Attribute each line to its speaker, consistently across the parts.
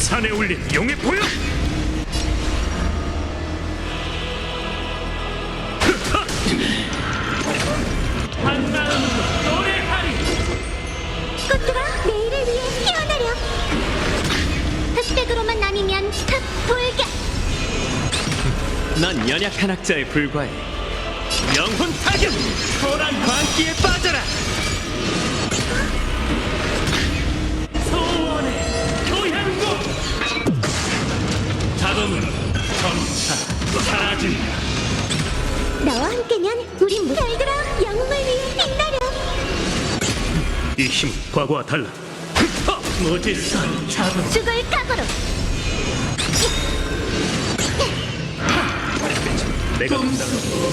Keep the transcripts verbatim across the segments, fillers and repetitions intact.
Speaker 1: 산에 올린 용의 보여! 한마음으로 노래하리!
Speaker 2: 꽃들아 내일을 위해 피어나려. 흑백으로만 나뉘면 흑불격.
Speaker 3: 넌 연약한 학자에 불과해. 영혼 타격! 소란 광기에 빠져라!
Speaker 1: 소원의 교향곡! 자동은 점차 사라진다.
Speaker 2: 너와 함께면 우린 무... 별들아 영웅을 위해 빛나려.
Speaker 1: 이 힘은 과거와 달라. 무지선 자동.
Speaker 2: 죽을 각오로.
Speaker 1: 내가 감당하고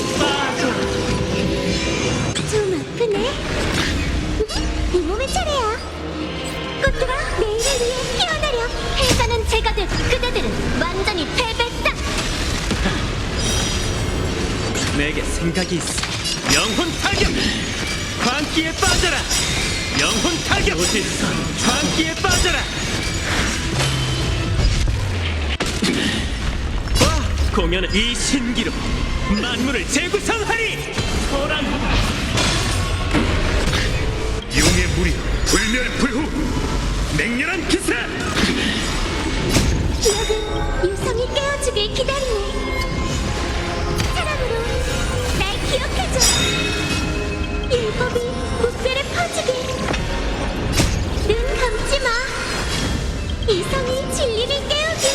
Speaker 2: 좀 아프네. 이 몸의 차례야. 꽃들아 내일을 위해 피어나려. 해자는 제가 될 그대들은 완전히 패배다.
Speaker 3: 내게 생각이 있어. 영혼 타격! 광기에 빠져라! 영혼 타격!
Speaker 1: 무지선
Speaker 3: 광기에 빠져라! 와! 공연은 이 신기로 만물을 재구성하리!
Speaker 1: 소란하다. 용의 무리 불멸불후 맹렬한 기세!
Speaker 2: 기억은 유성이 깨워주길 기다리네. 사랑으로 날 기억해줘. 율법이 무뼈에 퍼지게. 눈 감지 마. 이성이 진리를 깨우기.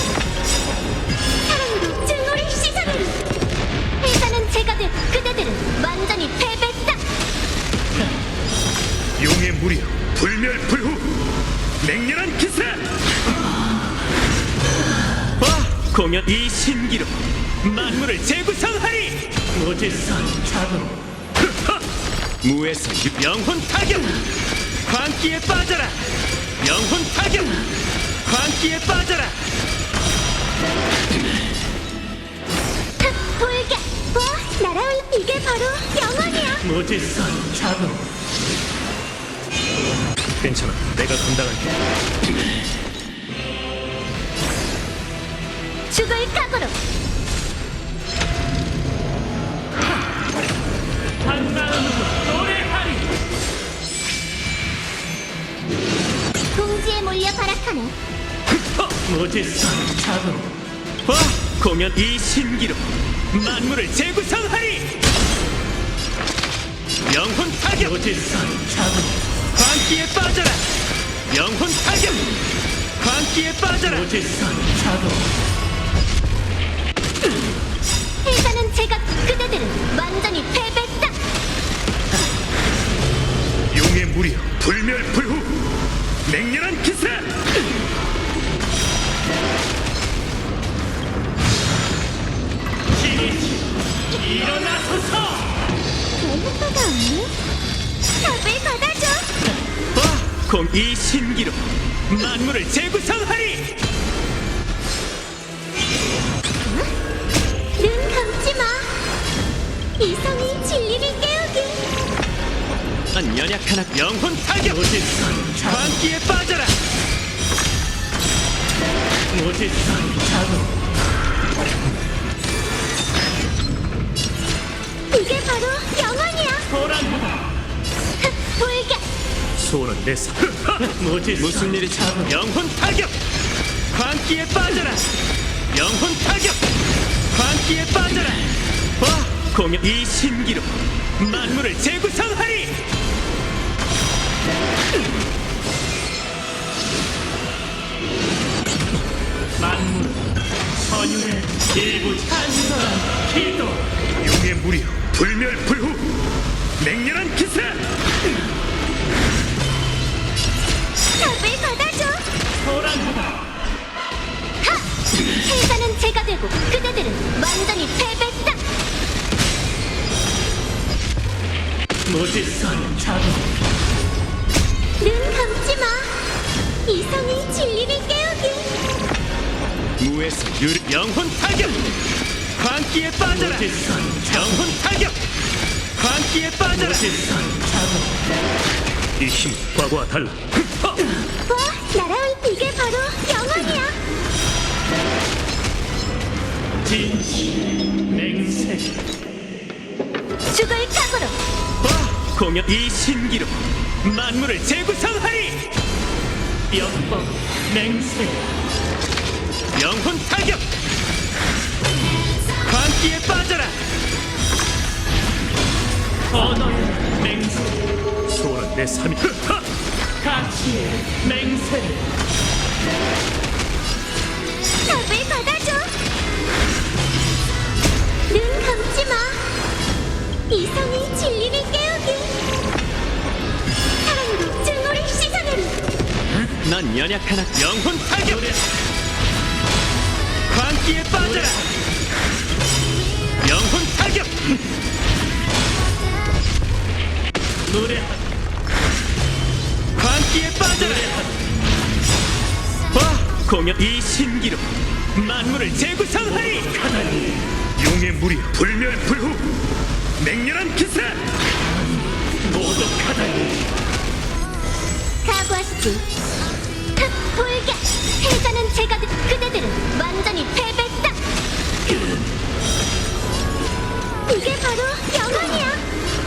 Speaker 2: 사랑으로 증오를 씻어내리. 회사는 제가 될 그대들은 완전히 패배다.
Speaker 1: 용의 무리 불멸불후 맹렬한 기세!
Speaker 3: 와! 공연 이 신기로 만물을 재구성하리!
Speaker 1: 무지선 자동.
Speaker 3: 무에서 유... 영혼 타격! 광기에 빠져라! 영혼 타격! 광기에 빠져라!
Speaker 2: 흑불격. 와 날아올. 이게 바로 영원이야.
Speaker 1: 무지선 자동. 괜찮아, 내가 감당할게.
Speaker 2: 죽을 각오로.
Speaker 1: 한마음으로 노래하리!
Speaker 2: 공지에 몰려 발악하네.
Speaker 1: 무지선 자동.
Speaker 3: 와! 공연 이 신기로 만물을 재구성하리! 영혼 타격!
Speaker 1: 무지선 자동.
Speaker 3: 광기에 빠져라! 영혼 타격! 광기에 빠져라!
Speaker 1: 무지선 자동.
Speaker 2: 회사는 제가 그대들은 완전히 패배다.
Speaker 1: 용의 무리 불멸불후 맹렬한 기세! 신이시 일어나소서!
Speaker 2: 별 효과가 없네. 답을 받아줘.
Speaker 3: 와! 공 이 신기로 만물을 재구성하리!
Speaker 2: 눈 감지 마. 이성이 진리를 깨우기.
Speaker 3: 난 연약한 학 영혼 타격!
Speaker 1: 무지선 자동.
Speaker 3: 광기에 빠져라!
Speaker 1: 무지선 자동.
Speaker 2: 이게 바로 영원이야.
Speaker 1: 소란하다.
Speaker 2: 흑불격.
Speaker 1: 소원은 내 사. 무지선
Speaker 3: 무슨 일이
Speaker 1: 자동.
Speaker 3: 영혼 타격! 광기에 빠져라! 영혼 타격! 광기에 빠져라! 와! 공연 이 신기로 만물을 재구성하리!
Speaker 1: 만물 선율의 일부 찬성한 기도. 용의 무리 불멸불후 맹렬한 기세!
Speaker 2: 답을 받아줘.
Speaker 1: 소란하다.
Speaker 2: 하! 회사는 제가 되고 그대들은 완전히 패배다.
Speaker 1: 무지선 자동.
Speaker 2: 눈 감지 마. 이성이 진리를 깨우기.
Speaker 3: 무에서 유 영혼 타격! 광기에 빠져라!
Speaker 1: 무지선 자동.
Speaker 3: 영혼 타격! 광기에 빠져라!
Speaker 1: 무지선 자동. 이 힘은 과거와 달라.
Speaker 2: 와 날아올. 이게 바로 영원이야.
Speaker 1: 진실 맹세
Speaker 2: 죽을 각오로
Speaker 3: 와 공연 이 신기로 만물을 재구성하리.
Speaker 1: 뼈법 맹세
Speaker 3: 영혼 타격. 광기에 빠져라.
Speaker 1: 언어의 맹세
Speaker 3: 소원은 내 삶이. 흐하!
Speaker 1: 가치의 맹세
Speaker 2: 답을 받아줘. 눈 감지 마. 이성의 진리를 깨우기. 사랑으로 증오를 씻어내리.
Speaker 3: 넌 연약한 악. 영혼 타격. 광기에 빠져라. 영혼 타격.
Speaker 1: 노래하다
Speaker 3: 광기에 빠져라. 와 공연 이 신기로 만물을 재구성하리.
Speaker 1: 용의 무리 불멸불후 맹렬한 기세 모독하다니
Speaker 2: 각오하시지. 흑 불격. 해자는 제가 듯 그대들은 완전히 패배다. 이게 바로 영원이야.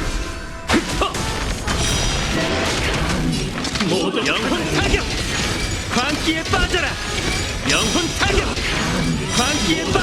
Speaker 1: 모독
Speaker 3: 영혼 타격. 광기에 빠져라. 영혼 타격. 광기에 빠져라.